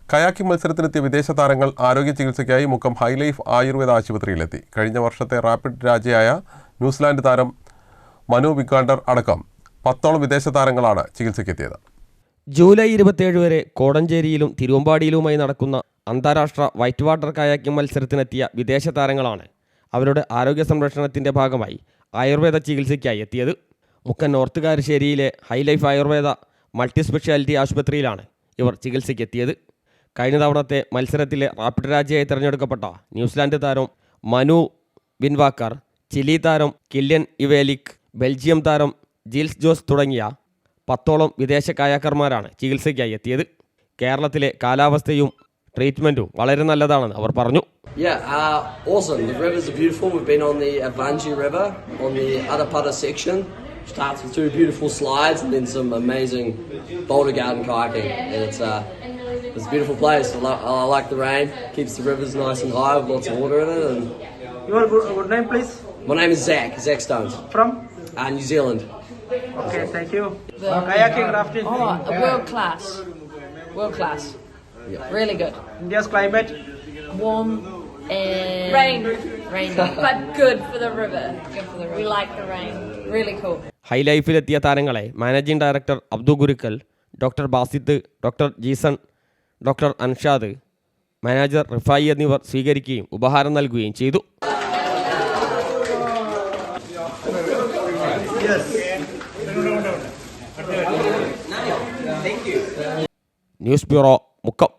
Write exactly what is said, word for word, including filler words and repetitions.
Kayaking മത്സരത്തിനെത്തിയ വിദേശ താരങ്ങൾ ആരോഗ്യ ചികിത്സയ്ക്കായി മുക്കം ഹൈലൈഫ് ആയുർവേദ ആശുപത്രിയിലെത്തി. കഴിഞ്ഞ വർഷത്തെ റാപ്പിഡ് രാജയായ ന്യൂസിലാൻഡ് താരം മനു വിക്കാണ്ടർ അടക്കം പത്തോളം വിദേശ താരങ്ങളാണ് ചികിത്സയ്ക്കെത്തിയത്. ജൂലൈ ഇരുപത്തിയേഴ് വരെ കോടഞ്ചേരിയിലും തിരുവമ്പാടിയിലുമായി നടക്കുന്ന അന്താരാഷ്ട്ര വൈറ്റ് വാട്ടർ കയാക്കിംഗ് മത്സരത്തിനെത്തിയ വിദേശ താരങ്ങളാണ് അവരുടെ ആരോഗ്യ സംരക്ഷണത്തിൻ്റെ ഭാഗമായി ആയുർവേദ ചികിത്സയ്ക്കായി എത്തിയത്. മുക്കം നോർത്ത് കാരശ്ശേരിയിലെ ഹൈലൈഫ് ആയുർവേദ മൾട്ടി സ്പെഷ്യാലിറ്റി ആശുപത്രിയിലാണ് ഇവർ ചികിത്സയ്ക്കെത്തിയത്. കഴിഞ്ഞ തവണത്തെ മത്സരത്തിലെ റാപ്പിഡ് രാജയായി തിരഞ്ഞെടുക്കപ്പെട്ട ന്യൂസിലാൻഡ് താരം മനു വിൻവാക്കർ, ചിലി താരം കില്യൻ ഇവേലിക്, ബെൽജിയം താരം ജിൽസ് ജോസ് തുടങ്ങിയ പത്തോളം വിദേശ കയാക്കർമാരാണ് ചികിത്സയ്ക്കായി എത്തിയത്. കേരളത്തിലെ കാലാവസ്ഥയും ട്രീറ്റ്മെൻറ്റും വളരെ നല്ലതാണെന്ന് അവർ പറഞ്ഞു. Yeah, uh, awesome. The rivers are beautiful. We've been on the Avangi River on the Adapata section. Starts with two beautiful slides and then some amazing boulder garden kayaking. And it's, uh, it's a beautiful place. I, lo- I like the rain. Keeps the rivers nice and high with lots of water in it. And Your good, good name, please. my name is Zach. Zach Stones. From? Uh, New Zealand. Okay, thank you. Uh, kayaking, rafting. Oh, world class. World class. Yeah. Really good. India's climate. Warm and Rain. Rain. But good for the river. Good for the We river. like the rain. Really cool. ഹൈലൈഫിലെത്തിയ താരങ്ങളെ managing director Abdu Gurukkal, doctor Basith, doctor Jeeson, doctor Anshad, manager Rifai എന്നിവർ സ്വീകരിക്കുകയും ഉപഹാരം നൽകുകയും ചെയ്തു. News bureau, Mukkam.